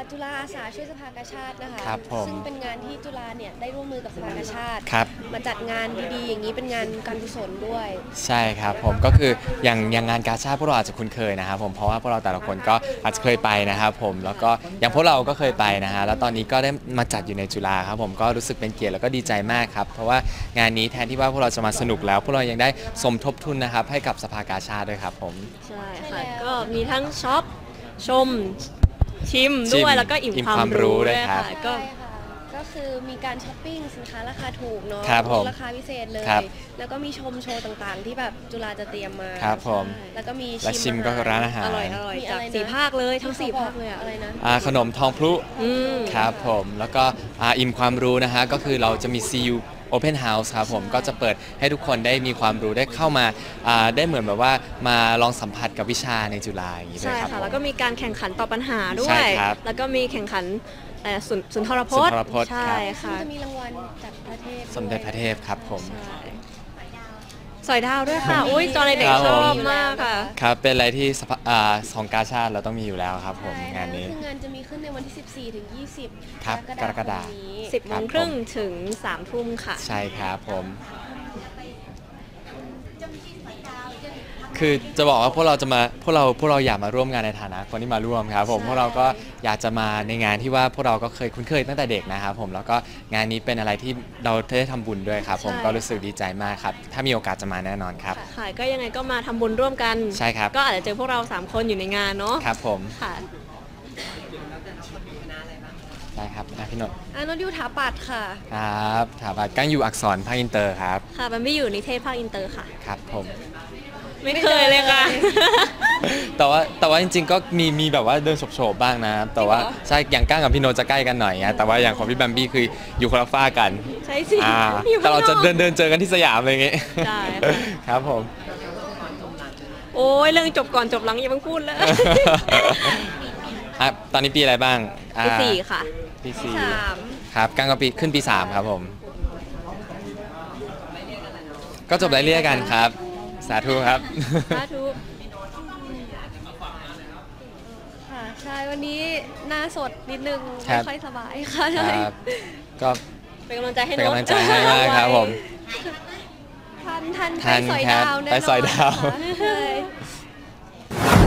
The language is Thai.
จุฬาอาสาช่วยสภากาชาดนะคะครับผมซึ่งเป็นงานที่จุฬาเนี่ยได้ร่วมมือกับสภากาชาดครับมาจัดงานดีๆอย่างนี้เป็นงานการกุศลด้วยใช่ครับผมก็คืออย่างงานกาชาดพวกเราอาจจะคุ้นเคยนะครับผมเพราะว่าพวกเราแต่ละคนก็อาจจะเคยไปนะครับผมแล้วก็อย่างพวกเราก็เคยไปนะฮะแล้วตอนนี้ก็ได้มาจัดอยู่ในจุฬาครับผมก็รู้สึกเป็นเกียรติแล้วก็ดีใจมากครับเพราะว่างานนี้แทนที่ว่าพวกเราจะมาสนุกแล้วพวกเรายังได้สมทบทุนนะครับให้กับสภากาชาดด้วยครับผมใช่ค่ะก็มีทั้งช็อปชมชิมด้วยแล้วก็อิ่มความรู้ด้วยค่ะก็ก็คือมีการช้อปปิ้งสินค้าราคาถูกเนาะราคาพิเศษเลยแล้วก็มีชมโชว์ต่างๆที่แบบจุฬาจะเตรียมมาครับผมแล้วก็มีชิมก็ร้านอาหารอร่อยจาก4 ภาคเลยทั้ง4 ภาคเลยอะไรนะขนมทองพลุครับผมแล้วก็อิ่มความรู้นะฮะก็คือเราจะมี CU Open House ครับผมก็จะเปิดให้ทุกคนได้มีความรู้ได้เข้ามาได้เหมือนแบบว่ามาลองสัมผัสกับวิชาในจุฬาอย่างนี้ด้วยครับใช่ค่ะแล้วก็มีการแข่งขันตอบปัญหาด้วยแล้วก็มีแข่งขันสุนทรพจน์ใช่ค่ะจะมีรางวัลจากประเทศสมเด็จพระเทพครับผมสอยดาวด้วยค่ะอุ้ยตอนเด็กๆชอบมากค่ะครับเป็นอะไรที่ของกาชาติเราต้องมีอยู่แล้วครับผมงานนี้งานจะมีขึ้นในวันที่14 ถึง 20 ครับกรกฎาคม 10:30ถึง3 ทุ่มค่ะใช่ครับผมคือจะบอกว่าพวกเราอยากมาร่วมงานในฐานะคนที่มาร่วมครับผมพวกเราก็อยากจะมาในงานที่ว่าพวกเราก็เคยคุ้นเคยตั้งแต่เด็กนะครับผมแล้วก็งานนี้เป็นอะไรที่เราได้ทำบุญด้วยครับผมก็รู้สึกดีใจมากครับถ้ามีโอกาสจะมาแน่นอนครับค่ะก็ยังไงก็มาทำบุญร่วมกันใช่ครับก็อาจจะเจอพวกเรา3 คนอยู่ในงานเนาะครับผมค่ะได้ครับพี่นนท์นนท์อยู่ถาปัดค่ะครับถาปัดกั้งอยู่อักษรภาคอินเตอร์ครับค่ะมันไม่อยู่นิเทศภาคอินเตอร์ค่ะครับผมไม่เคยเลยค่ะแต่ว่าจริงๆก็มีแบบว่าเดินโฉบๆบ้างนะแต่ว่าใช่อย่างก้างกับพี่โนจะใกล้กันหน่อยแต่ว่าอย่างของพี่แบมบี้คืออยู่คนละฝ้ากันใช่สิแต่เราจะเดินเจอกันที่สยามอะไรอย่างเงี้ยใช่ครับผมโอ้ยเรื่องจบก่อนจบหลังอย่าเพิ่งพูดเลยตอนนี้ปีอะไรบ้างปี4ค่ะปี4ครับก้างก็ขึ้นปี3ครับผมก็จบไล่เลี่ยกันครับสาธุครับสาธุค่ะใช่วันนี้หน้าสดนิดนึงไม่ค่อยสบายค่ะใช่ก็เป็นกำลังใจให้น้องเป็นกำลังใจให้มากครับผมทันไปสอยดาวแน่นอนไปสอยดาว